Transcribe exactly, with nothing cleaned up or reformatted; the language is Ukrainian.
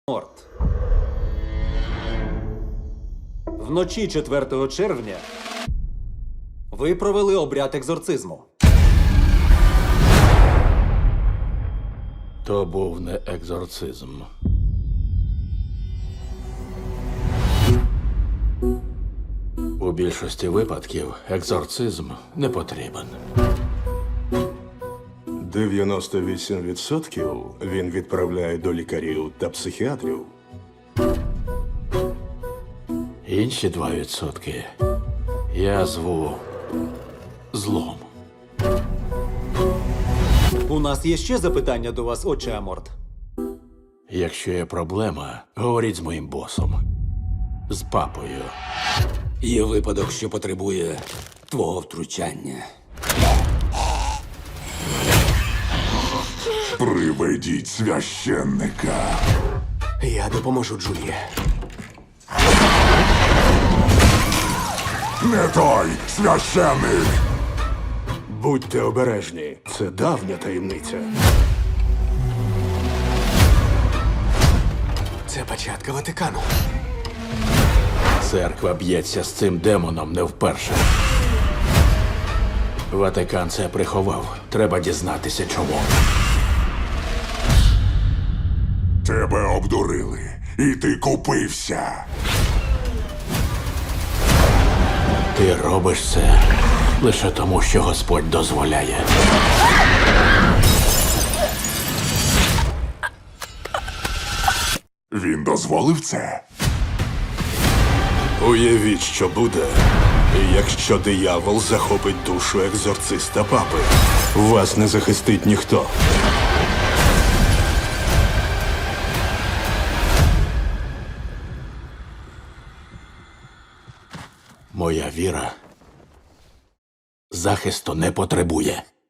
Морт. Вночі четвертого червня ви провели обряд екзорцизму. То був не екзорцизм. У більшості випадків екзорцизм не потрібен. дев'яносто вісім відсотків він відправляє до лікарів та психіатрів. Інші два відсотки я зву злом. У нас є ще запитання до вас, отче Аморт. Якщо є проблема, говоріть з моїм босом. З папою. Є випадок, що потребує твого втручання. Приведіть священника. Я допоможу Джулії. Не той священник. Будьте обережні, це давня таємниця. Це початка Ватикану. Церква б'ється з цим демоном не вперше. Ватикан це приховав. Треба дізнатися, чому. Тебе обдурили, і ти купився. Ти робиш це лише тому, що Господь дозволяє. Він дозволив це. Уявіть, що буде, якщо диявол захопить душу екзорциста папи. Вас не захистить ніхто. Моя віра захисту не потребує.